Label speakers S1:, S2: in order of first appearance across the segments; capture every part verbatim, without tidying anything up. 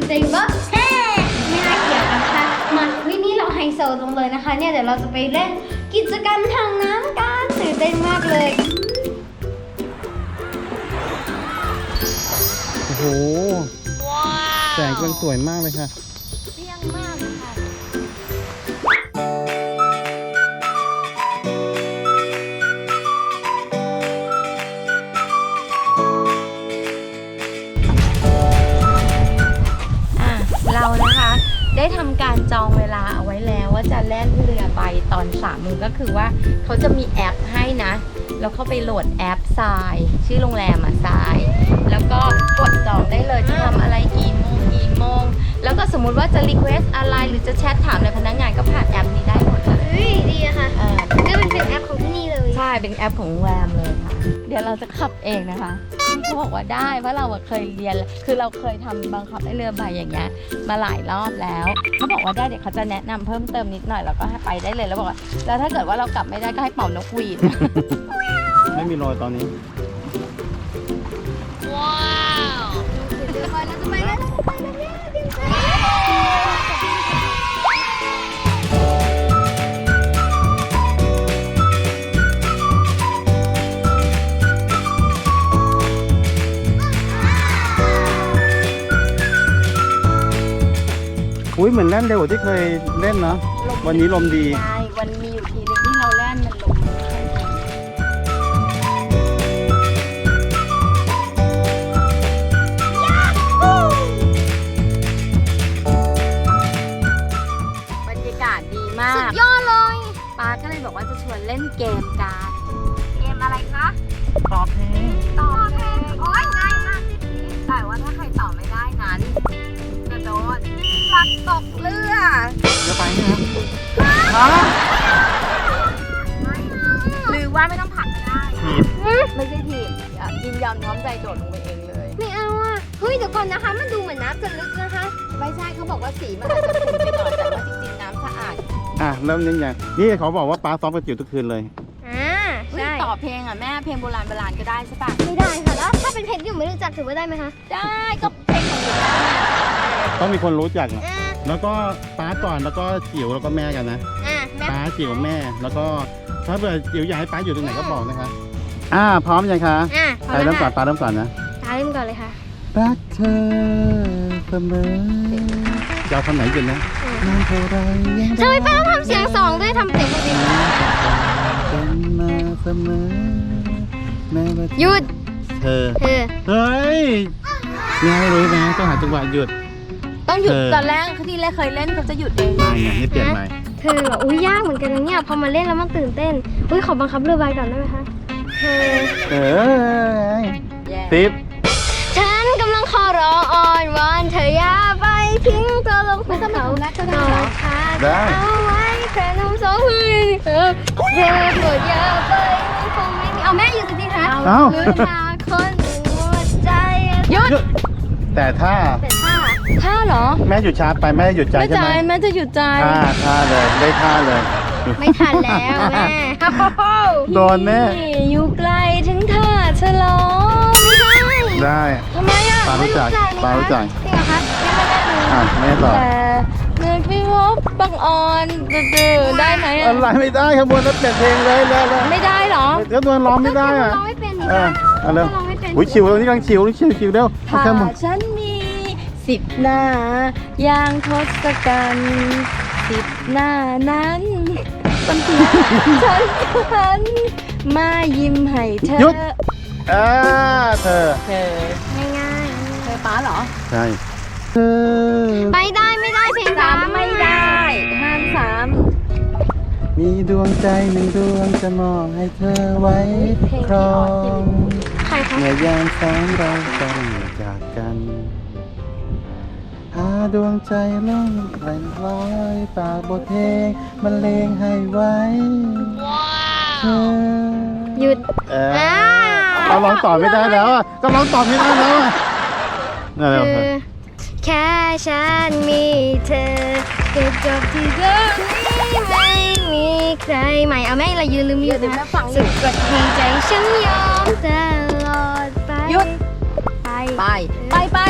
S1: จริงปะเฮ้ไม่น่าเกลียดนะคะมาวินี่เราไฮโซลงเลยนะคะเนี่ยเดี๋ยวเราจะไปเล่นกิจกรรมทางน้ำกันตื่นเต้นมากเลย
S2: โอ้โหแสงกำลังสวยมากเลยค่ะ
S1: เปรี้ยงมากค่ะ
S3: เรานะคะได้ทำการจองเวลาเอาไว้แล้วว่าจะแล่นเรือใบตอนสามโมงก็คือว่าเขาจะมีแอปให้นะแล้วเข้าไปโหลดแอปทรายชื่อโรงแรมอ่ะทรายแล้วก็กดจองได้เลยจะทำอะไรกี่โมงกี่โมงแล้วก็สมมุติว่าจะรีเควสอะไรหรือจะแชทถามในพนักงานก็ผ่านแอปนี้ได้หมดเลย
S1: เฮ้ยดีอะค่ะนี่มันเป็นแอปของที่นี่เลย
S3: ใช่เป็นแอปของโรงแรมเลยค่ะเดี๋ยวเราจะขับเองนะคะเขาบอกว่าได้เพราะเราเคยเรียนคือเราเคยทำบังคับให้เรือใบอย่างเงี้ยมาหลายรอบแล้วเขาบอกว่าได้เดี๋ยวเขาจะแนะนำเพิ่มเติมนิดหน่อยแล้วก็ให้ไปได้เลยแล้วบอกว่าแล้วถ้าเกิดว่าเรากลับไม่ได้ก็ให้เป่านกหวีด
S2: ไม่มีรอยตอนนี้
S1: ว้าวเดี๋ยวก่อนเราจะไปแล้วเราจะไปแล้วเนี่ยเดี๋ยวก่อน
S2: อุ้ยเหมือนเล่นเร็วกว่าที่เคยเล่นเนาะวันนี้ลมดี
S3: ใช่วันมีอยู่ทีนึงที่เราเล่นมันลมบรรยากาศดีมาก
S1: สุดยอดเลย
S3: ป้าก็เลยบอกว่าจะชวนเล่นเกมกันเกมอะไรคะ
S2: ตอบเพลง
S3: ตอบเพลงโอ้ยง่ายมากแต่ว่าถ้าใครตอบไม่ได้นั้นจะโดนผลักตกเรือ
S2: จะไปไหมครับ
S3: หรือว่าไม่ต้องผลักก็ได้
S2: ถีบ
S3: ไม่ใช่ถีบยินยอมพร้อมใจโดดลงไปเองเลย
S1: ไม่เอาอ่ะเฮ้ยเดี๋ยวก่อนนะคะมันดูเหมือนน้ำจะลึกนะคะ
S3: ไม่ใช่เขาบอกว่าสีมันอาจจะขุ่นไปหน่อยแต่ว่าจริงๆน้ำสะอาด
S2: อ่ะเริ่มยังไงนี่เขาบอกว่าป้าซ้อมกระจิ๋วทุกคืนเลย
S1: อ่าใช่
S3: ต่อเพลงอ่ะแม่เพลงโบราณโบราณก็ได้ใช่ปะ
S1: ไม่ได้ค่ะแล้วถ้าเป็นเพลงที่หนูไม่รู้จักถือว่าได้ไหมคะ
S3: ได้ก็เพลงของหนู
S2: ต้องมีคนรู้จักนะแล้วก็ป้าก่อนแล้วก็จิ๋วแล้วก็แม่กันนะป้าจิ๋วแม่แล้วก็ถ้าเกิดจิ๋วอยากให้ป้าอยู่ตรงไหนก็บอกนะคะอ่าพร้อมยังคะใครเริ่มก่อนป้าเริ่มก่อนนะ
S1: ป้าเริ่มก่อนเลยค่ะ
S2: รักเธอเสมอจะเอาคำไหนกันนะนานเท่าไรยัง
S1: ทำไมป้าต้องทำเสียงสองด้วยทำเสียงปกติ
S2: เป็นมาเสมอแม้ว่า
S1: หยุด
S2: เธอ
S1: เธอ
S2: เฮ้ยง่ายเลยนะต้องหาจังหวะหยุด
S3: ต้องหยุดตอนแรกที่แรกเคยเล่นเขาจะหยุดเอง
S2: ไม่ไงให้เปลี่ยนใหม่
S1: เธออุ้ยยากเหมือนกันนะเนี่ยพอมาเล่นแล้วมันตื่นเต้นอุ้ยขอบังคับเรือใบก่อนได้ไหมคะเธอ
S2: เออติ๊บ
S1: ฉันกำลังขอร้องอ่อนวอนเธออย่าไปทิ้งตัวลงไปกับเขาได้เอาไว้แค่น้ำสองมือเธอเธอโปรดอย่าไปคงไม่มีเอาแม่อยู่สิคะ
S2: เอา
S1: หรือถ้าคนหนึ่งหัวใจ
S2: หยุดแต่ถ้า
S1: แต่ถ้า
S3: ท่าเหรอ
S2: แม่หยุดช้าไปแม่หยุดใจใช่ไหม
S3: แม่จะหยุดใจ
S2: ท่าท่าเลยได้ท่าเลย
S1: ไม่ทันแล้วแม่
S2: โดนแม่
S3: อยู่ไกลถึงท่าฉลอง
S2: ได้
S3: ทำไมอ่ะ
S2: ปารู้จักปารู้จัก
S1: จริงเหรอคะ
S2: อ่ะแม่ต่อ
S3: แต่เมื่อพี่พบบังอ่อนดื้อได้ไหม
S2: อะไรไม่ได้ขบวนแล้วเปลี่ยนเพลงเลยแล้ว
S3: ไม่ได้หรอ
S2: ก็ตัวร้องไม่ได้อ่ะ
S1: ร้องไม่เป็นนี่
S2: เอาเร็วอุ้ยชิวแล้วนี่กำลังชิวนี่ชิวชิวเร็ว
S3: ถ้าฉันมีสิบหน้าอย่างทศกัณฐ์สิบหน้านั้นบางทีฉันหันมายิ้มให้เธอ
S2: หยุดอ่าเธอ
S3: เธอ
S1: ง่าย
S3: ๆเธอป้าเหรอ
S2: ใช่เธอ
S1: ไปได้ไม่ได้เพลง
S3: สามไม่ได้ห้ามสาม
S2: มีดวงใจหนึ่งดวงจะมองให้เธอไว้ครองเมื่อยามสองเราต้องจากกันหาดวงใจล่องแหล่งลอยปากบทเพลงบรรเลงให้ไว้เธอ
S1: หยุด
S2: เออเราร้องต่อไม่ได้แล้วอ่ะก็ร้องต่อไม่ได้แล้วอ่ะนั่นแหละ
S1: แค่ฉันมีเธอเก็บจบที่ตรงนี้ไม่มีใครใหม่เอาแม่เรายืนลืมหยุดนะสุดกดที่ใจฉันยอมตลอดไป
S3: หยุดไปไปไปไปไป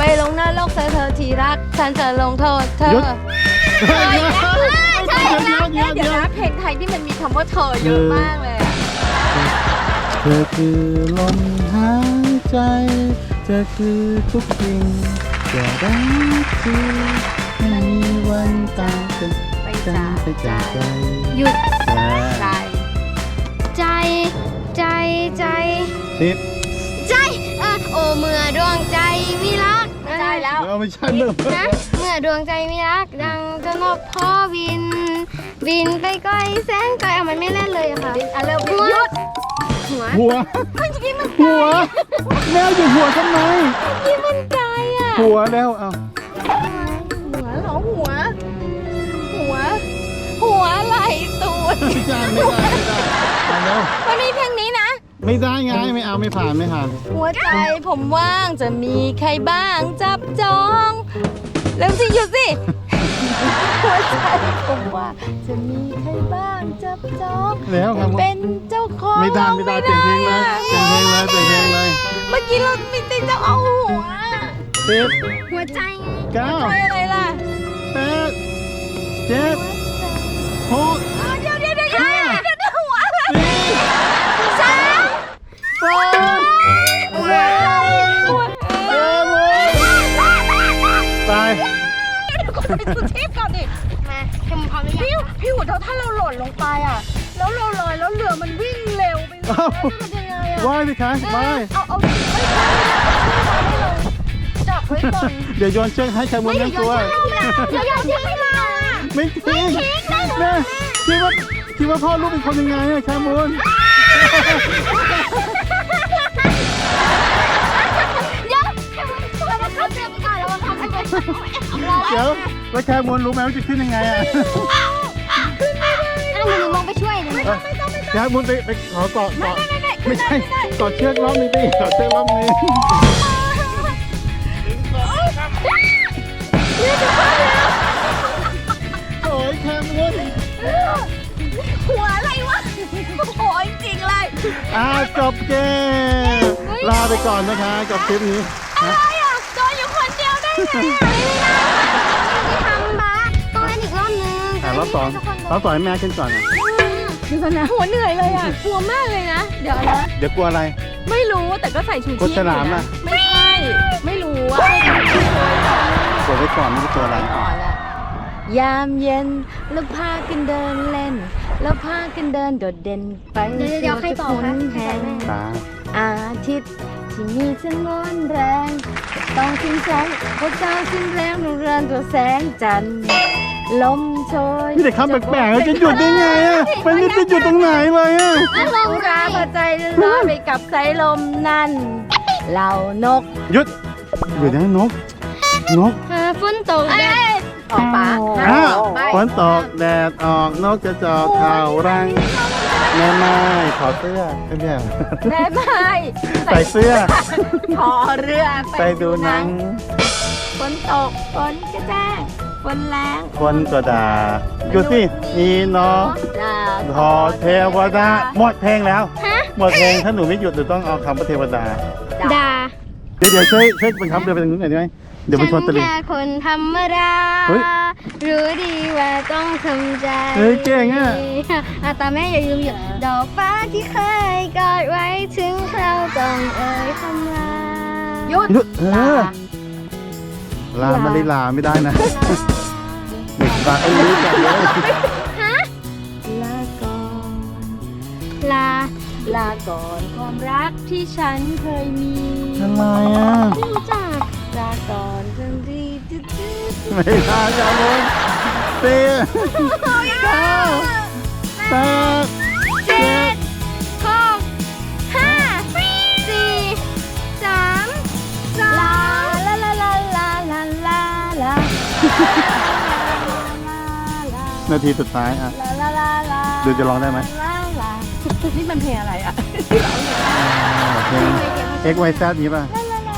S3: ลงนรกเธอเธอที่รักฉันจะลงโทษเธอ
S2: หยุด
S3: เฮ้ยใช่
S2: เดี๋ยว
S3: นะ
S2: เดี๋ยวเดี๋ยว
S3: เดี๋ยวนะเพลงไทยที่มันมีคำว่าเธอเยอะมากเลยอะ
S2: เธอคือลมหายใจเธอคือทุกสิ่งจะรักคือไม่มีวันตายกัน
S3: ไป
S2: กัน
S3: จาก
S2: ไปจากใจ
S1: หยุด
S3: ใจ
S1: ใจ ใจ ใจ
S2: ติด
S1: ใจเออโอเมื่อดวงใจมีรัก
S3: ใช่แล้ว
S2: เอาไม่ใช่เริ่ม
S1: นะเมื่อดวงใจมีรัก ดังจะนกพ่อบิน บินไปไกลแสนไกลเอามันไม่เล่นเลยอะค่ะ
S3: อ่ะเริ่ม
S1: หัว
S3: หยุด
S1: หัว
S2: หัว
S1: มันจะกินมัน
S2: หัวแล้วอยู่หัวทำไม
S1: กินมันไกลอ่ะ
S2: หัวแล้วเอา
S3: หัวเหรอหัว หัว หัวไหลตูด
S2: ไม่ได้ไม่ได้ไม่ได้เอาแล้ว
S3: วันนี้เพลงนี้นะ
S2: ไม่ได้ไงไม่เอาไม่ผ่านไม่ผ่าน
S3: หัวใจผมว่างจะมีใครบ้างจับจองเร็วสิหยุดสิ หัวใจผมว่าจะมีใครบ้างจับจอง
S2: แล้วครับ
S3: เป็นเจ้าของ
S2: ไม่ได้ไม่ได้เปลี่ยนเพลงเลยเปลี่ยนเพลงเลยเปลี่ยนเพลงเลย
S3: เมื่อกี้เราไม่ได้จะเอาหัว
S2: สิบ
S1: หัวใจ
S2: เก้า
S3: ใจอะไรล่ะ
S2: แปดเจ็ดหก
S3: เดี๋ยวเดี๋ยวเดี๋ยวเดี๋ยวเดี๋ยวเดี๋ยวหัวอะไร
S2: สี่
S3: สาม
S2: สอง
S3: หัวหัว
S2: เอ้ยตาย
S3: ไปสุเทพก่อนดิ
S1: มาเข็มพร้อมหรือ
S3: พี่
S1: ยัง
S3: พี่หัวถ้าเราหล่นลงไปอ่ะ แล้วเราลอยแล้วเรือมันวิ่งเร็วไปเลย
S2: เอ้า
S3: มันยังไงอ่ะ
S2: ว่ายดิคะว่าย
S3: เอาเอาไม่ใช่ไม่เราจับไว้ก่อน
S2: เดี๋ยวโยนเชือกให้ชายมุนนั่งตัว
S3: เดี๋ยวอย่าทิ้งเราอ่ะ
S2: ไม่ทิ้งแม่คิดว่าคิดว่าพ่อลูกเป็นคนยังไงอะชายมุน
S1: เดี๋ยวเข็มเรามาเข้าเตรียมก่อนเรามาทำให้เป็นเรา
S2: เดี๋ยวแล้วชายมุนรู้ไหมว่าจะขึ้นยังไงอะ
S1: อ่ะหนูลงไปช่วยเลย
S2: ชายมุนไปไปขอเกาะเกาะไม่ใช่เกาะเชือกรอบนี้ดิเกาะเชือกรอบนี้ โอ้ยชายมุน
S3: หัวอะไรวะโอ้ยจริงเลย
S2: อ่าจบเกมลาไปก่อนนะคะกับคลิปนี้
S3: อะไรอ่ะโดนอยู่คนเดียวได้ไง
S1: ทำบ้าต้องเล่นอีกรอบนึง
S2: อ่ารอบสองรอบสองให้แม่ขึ้นก่อนนะ
S3: ดูสินะหัวเหนื่อยเลยอ่ะกลัวมากเลยนะ เดี๋ยวนะ
S2: เดี๋ยวกลัวอะไร
S3: ไม่รู้แต่ก็ใส่ชูชีพ
S2: กดฉลามอะ
S3: ไม่ใช่ ไม่รู้อ่ะ
S2: กดไว้ก่อนไม่ใช่ตัวอะไร
S3: ก่อนละยามเย็นแล้วพากันเดินเล่น แล้วพากันเดินโดดเด่นไป
S1: เดี๋ยวเดี๋ยวใครต่อคะ
S3: แห่ง
S2: ตา
S3: อาทิตย์ที่มีฉันร้อนแรง ต้องทิ้งแสงพระเจ้าสิ้นแรงดวงเรือนตัวแสงจันทร์ลมโชย
S2: พี่แต่คำแปลกๆอะจะหยุดได้ไงอะมันไม่จะหยุดตรงไหนเลยอะ
S1: อารม
S3: ผู้
S1: ณ์
S3: รา
S1: ดี
S3: พอใจร้อนไปกับสายลมนั่นเหล่านก
S2: หยุดหยุดนะนกนก
S1: เออฝนตกแดด
S3: ออกปะ
S2: อ่ะ
S3: ไป
S2: ฝนตกแดดออกนกจะจอกข่าวรังแม่ไม้ขอเสื้อไม่ใช่เหรอ
S3: แม่ไม้
S2: ใส่เสื้อ
S3: ขอเรือ
S2: ไปดูหนัง
S3: ฝนตกฝนกระแจ้งฝนแรง
S2: คนก็ด่าหยุดสิมีเนาะ
S3: ด่า
S2: พอเทวดาหมดเพลงแล้ว
S1: ฮะ
S2: หมดเพลงถ้าหนูไม่หยุดหนูต้องเอาคำว่าเทวดา
S1: ด่า
S2: เดี๋ยวเดี๋ยวช่วยช่วยบังคับเรือไปทางนู้นหน่อยได้ไหมเดี๋ยวมันชนตะลิง
S1: ฉันแค่คนธรรมดา
S2: เฮ้ย
S1: รู้ดีว่าต้องทำใจ
S2: เฮ้ยเก่งอะ
S1: อ่ะตาแม่อย่าลืมหยุดดอกฟ้าที่เคยกอดไว้ถึงคราวต้องเอ่ยคำลา
S3: หยุด
S2: หยุดเออลามาริลาไม่ได้นะเด็กฟังไม่รู้จักเลย
S1: ฮะ
S3: ลาก่อน
S1: ลา
S3: ลาก่อนความรักที่ฉันเคยมี
S2: อะไรอ่ะ
S1: ไม่รู้จัก
S3: ลาก่อนทันทีจืดจืด
S2: ไม่ได้อย่าลุ้นสี่เก้าแปดเจ็ด
S1: หกห้าสี่สามสอ
S3: ลาง ลาลาลาลาลาลาลา
S2: นาทีสุดท้ายอ่ะ
S3: ลาลาลาลา
S2: ดูจะร้องได้ไหม
S3: ลาลานี่มันเพลงอะไรอ่ะ
S2: เพลง X Y Z นี้ป่ะ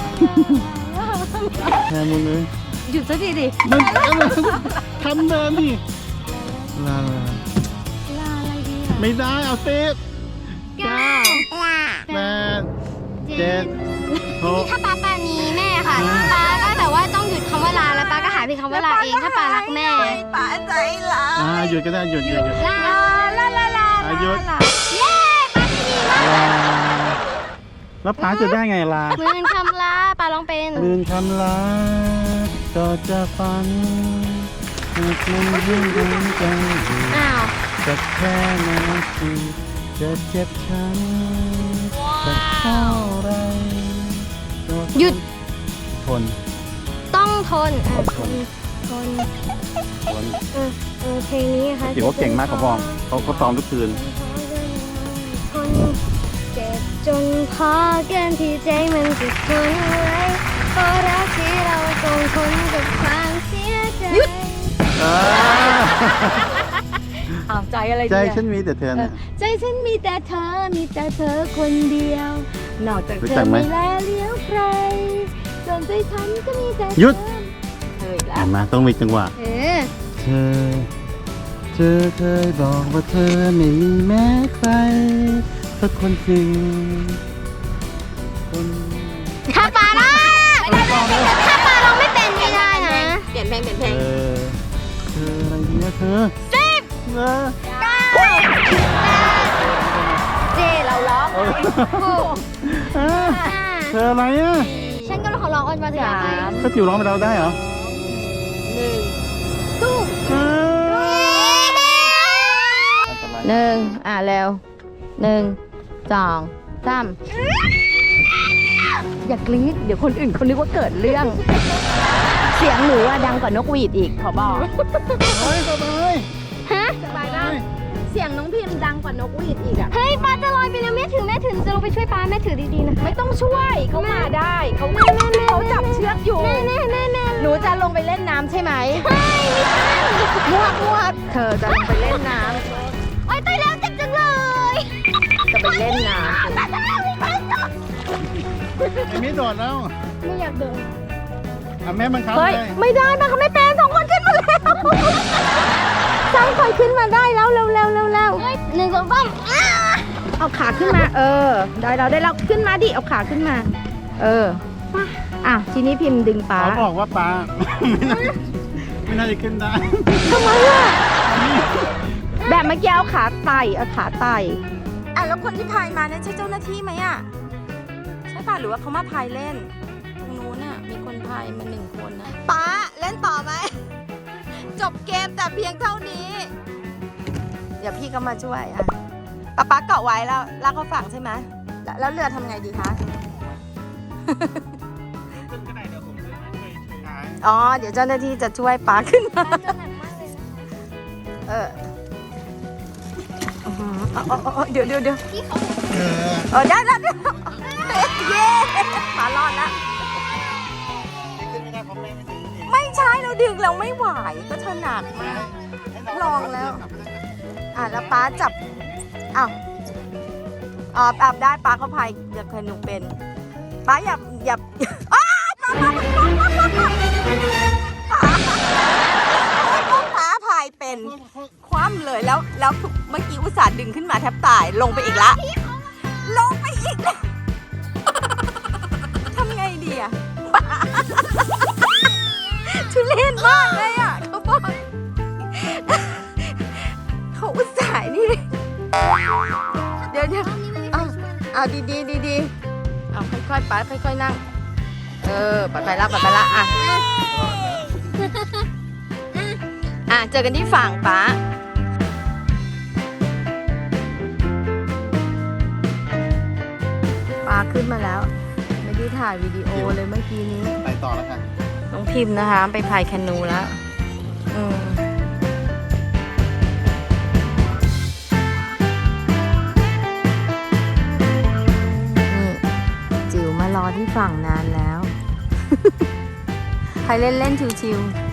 S2: แทนมึงเลย
S3: หยุดซะทีดิ
S2: มันทำเดินดิลาลา
S3: ลาอะไรดีอ่ะ
S2: ไม่ได้เอาสิบ
S1: เก้า
S2: แปดเจ็ดหก
S1: ถ้าป้าป้ามีแม่ค่ะป้าก็แบบว่าต้องหยุดคำว่าลาแล้วป้าก็หาเพียงคำว่าลาเองถ้าป้ารักแม่
S3: ป้าใจร้าย
S2: อ่าหยุดก็ได้หยุดหยุดหยุด
S1: ลา
S3: ลาลาลา
S2: อ่ะหยุด
S3: ลา
S1: เย้ป้าที่ดีมาก
S2: ลาแล้วป๋าจะได้ไงลา
S1: หมื่นคำลาป้าร้องเป็น
S2: ลืนคำลาก็จะฝันหากมันยิ่งดวงใจ
S1: อ้าว
S2: จะแค่นาทีจะเจ็บช้ำจะเท่าไรก็
S1: หยุด
S2: ทน
S1: ต้องทนอ่ะ
S2: อด
S1: ท
S2: ทน
S1: นทน
S2: ทน
S1: เออเออเพลงนี้นะคะ
S2: ถือว่าเก่งมากเขาบอกเขาเขาซ้อมทุกคืน
S1: ทนเจ็บจนพอเกินที่ใจมันจะทนไว้เพราะรักที่เราต้องทนกับความเสียใจ
S2: อ่า
S3: อ้าวใจอะไร
S2: ใจ
S3: เนี่ย
S2: ฉันมีแต่เธอ
S3: เออ
S2: นะ
S3: ใจฉันมีแต่เธอ มีแต่เธอคนเดียว นอกจาก
S2: รู้
S3: เธ
S2: จั
S3: อก
S2: ไหม
S3: ไม่แลเลี้ยวใครส่วนใจฉันก็มีแต่เธอ
S2: หยุด
S3: เธออีกแล้
S2: เห็
S3: วน
S2: ไหมต้องมีจังหวะ
S1: เออ
S2: เธอ เธอเคยบอกว่าเธอไม่มีแม้ใครสักคนจริงคน
S1: ถ้าป้าร้องถ้าป้าร้องไม่เป็นไม่ได้นะ
S3: เปลี่ยนเพลงเปลี่ยนเพ
S2: เธ
S3: ลง
S2: อเธออะไรเนี่ยเธอ
S1: สิบ
S2: เออ
S1: เก้า
S3: เจเราร้อง
S2: เออ
S1: หก
S2: เออ
S1: ห้า
S2: เธออะไรอ่ะ
S1: ฉันก็ร้องร้องออนมาถึงไป
S3: สาม
S2: ก็จิ๋วร้องไปเราได้เหรอ
S3: หนึ่ง
S1: ตู้
S2: เอออันตราย
S3: หนึ่งอ่ะเร็วหนึ่งสองสามอย่ากรี๊ดเดี๋ยวคนอื่นเขานึกว่าเกิดเรื่อง เสียงหนูอะดังกว่านกหวีดอีกขอบอก
S2: เฮ้ยสบาย
S1: ฮะ
S3: สบายนะเสียงน้องพิมพ์ดังกว่านกหวีดอีกอะ
S1: เฮ้ยป้าจะลอยไปแล้วแม่ถือแม่ถือจะลงไปช่วยป้าแม่ถือดีๆนะคะ
S3: ไม่ต้องช่วยเขามาได้เขา
S1: แม่แม่แม่
S3: เขาจับเชือกอยู่
S1: แม่แม่แม่แม่
S3: หนูจะลงไปเล่นน้ำใช่ไหม
S1: เฮ้ยไม่ใช่
S3: มวกมวกเธอจะลงไปเล่นน้
S1: โอ๊ยตายแล้วเจ็บจังเลย
S3: ำจะไปเล่นน้
S1: ป้าจะเล่าให้ป้าจบ
S2: ไอ้มิโดดแล้ว
S1: ไม่อยากเดิน
S2: อ่ะแม่บังคับ
S3: ำเฮ้ย
S2: เลย
S3: ไม่ได้มาเขาไม่เป็นสองคนขึ้นมาแล้วสร้างไฟขึ้นมาได้แล้วเร็วเร็วเร็วเร็ว
S1: เฮ้ยหนึ่งสองสามอ้า
S3: เอาขาขึ้นมา เออ ได้แล้วได้แล้วขึ้นมาดิเอาขาขึ้นมา เอออ่ะทีนี้พิมพ์ดึงป้า
S2: เขาบอกว่าปลา ไม่น่าไม่น่าจะขึ้นได้
S3: ทำไมอ่ะแบบเมื่อกี้เอาขาไต่เอาขาไต่อ่ะแล้วคนที่พายมาเนี่ยใช่เจ้าหน้าที่ไหมอ่ะใช่ป่ะหรือว่าเขามาพายเล่นตรงนู้นอ่ะมีคนพายมาหนึ่งคนนะป้าเล่นต่อไหมจบเกมแต่เพียงเท่านี้ เดี๋ยวพี่ก็มาช่วยอ่ะป้าป้าเกาะไว้แล้วลากเขาฝั่งใช่ไหมแล้วแล้วเรือทำไงดีคะ อ๋อ เดี๋ยวเจ้าหน้าที่จะช่วยป้าขึ้นมา
S1: ป้าจะหนักมากเลยนะ
S3: เอออื้อหือเอาเอาเอาเดี๋ยวเดี๋ยวเดี๋ยว
S1: พี่เขา
S2: เออ
S3: เออได้แล้วเดี๋ยวเย้ป้ารอดแล้ว
S2: ขึ้นไม่ได้เพราะแม่ไม่ถึงนี่
S3: ไม่ใช่เราดึงเราไม่ไหวก็เธอหนักมาก ลองแล้ว อ่ะแล้วป้าจับอ้าวอ๋ออาบได้ป้าเขาพายเรือเคยหนูเป็นป้าอย่าอย่าอ้าวป้าป้าป้าป้าพายเป็นคว่ำเลยแล้วแล้วเมื่อกี้อุตส่าห์ดึงขึ้นมาแทบตายลงไปอีกละลงไปอีกแล้วทำไงดีอะทุเรศมากเลยอ่ะเขาบอกเขาอุตส่าห์นี่เดี๋ยวเดี๋ยวเอาเอาดีดีดีดีๆเอาค่อยๆไปค่อยๆนั่งเออไปไปละไปไปละอ่ะอ่ะเจอกันที่ฝั่งป้าป้าขึ้นมาแล้วไม่ได้ถ่ายวิดีโอเลยเมื่อกี้นี้
S2: ไปต่อแล้วค่ะ
S3: น้องพิมพ์นะคะ ไปพายแคนูแล้วอืมนี่จิ๋วมารอที่ฝั่งนานแล้ว ใครเล่นเล่นชิวๆ